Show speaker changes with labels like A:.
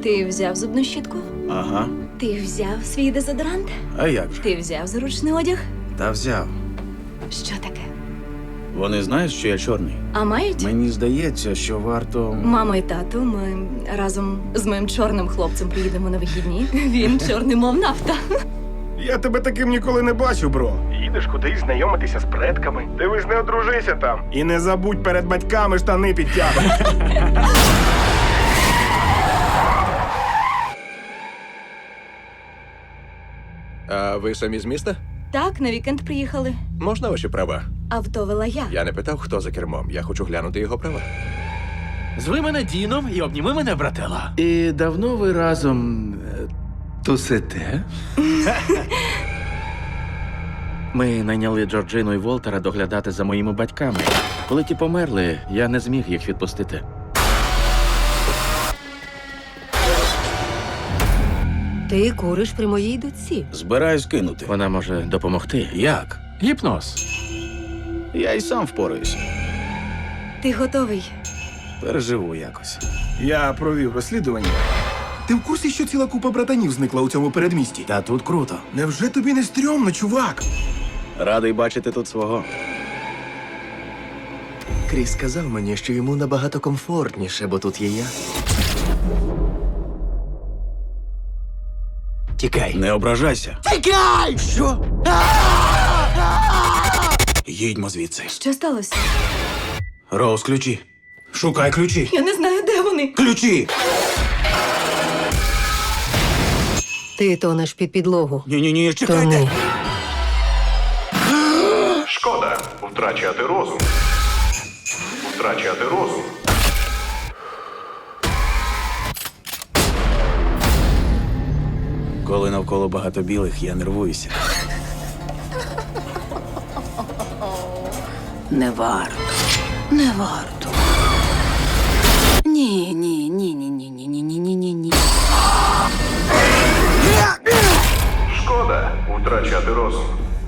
A: Ти взяв зубну щітку?
B: Ага.
A: Ти взяв свій дезодорант?
B: А як же?
A: Ти взяв зручний одяг?
B: Та взяв.
A: Що таке?
B: Вони знають, що я чорний.
A: А мають?
B: Мені здається, що варто.
A: Мама і тато, ми разом з моїм чорним хлопцем приїдемо на вихідні. Він чорний, мов нафта.
C: Я тебе таким ніколи не бачив, бро. Їдеш кудись знайомитися з предками. Дивись, не одружися там. І не забудь перед батьками штани підтягувати.
D: А ви самі з міста?
A: Так, на вікенд приїхали.
D: Можна ваші права?
A: Авто вела я.
D: Я не питав, хто за кермом. Я хочу глянути його права.
E: Зви мене Діном і обніми мене, братела.
B: І давно ви разом тусите? Ми найняли Джорджину і Волтера доглядати за моїми батьками. Коли ті померли, я не зміг їх відпустити.
F: Ти куриш при моїй дочці.
B: Збираюсь кинути. Вона може допомогти. Як?
E: Гіпноз.
B: Я й сам впораюся.
A: Ти готовий?
B: Переживу якось.
C: Я провів розслідування. Ти в курсі, що ціла купа братанів зникла у цьому передмісті?
B: Та тут круто.
C: Невже тобі не стрьомно, чувак?
B: Радий бачити тут свого.
G: Кріс сказав мені, що йому набагато комфортніше, бо тут є я. Тікай.
B: Не ображайся.
G: Тікай! Що?
B: Їдьмо звідси.
A: Що сталося?
B: Роуз, ключі. Шукай ключі.
A: Я не знаю, де вони.
B: Ключі!
F: Ти тонеш під підлогу.
B: Ні, чекайте.
F: Тони.
C: Шкода втрачати розум. Втрачати розум.
B: Коли навколо багато білих, я нервуюся.
F: Не варто. Не варто. Ні.
C: Шкода втрачати розум.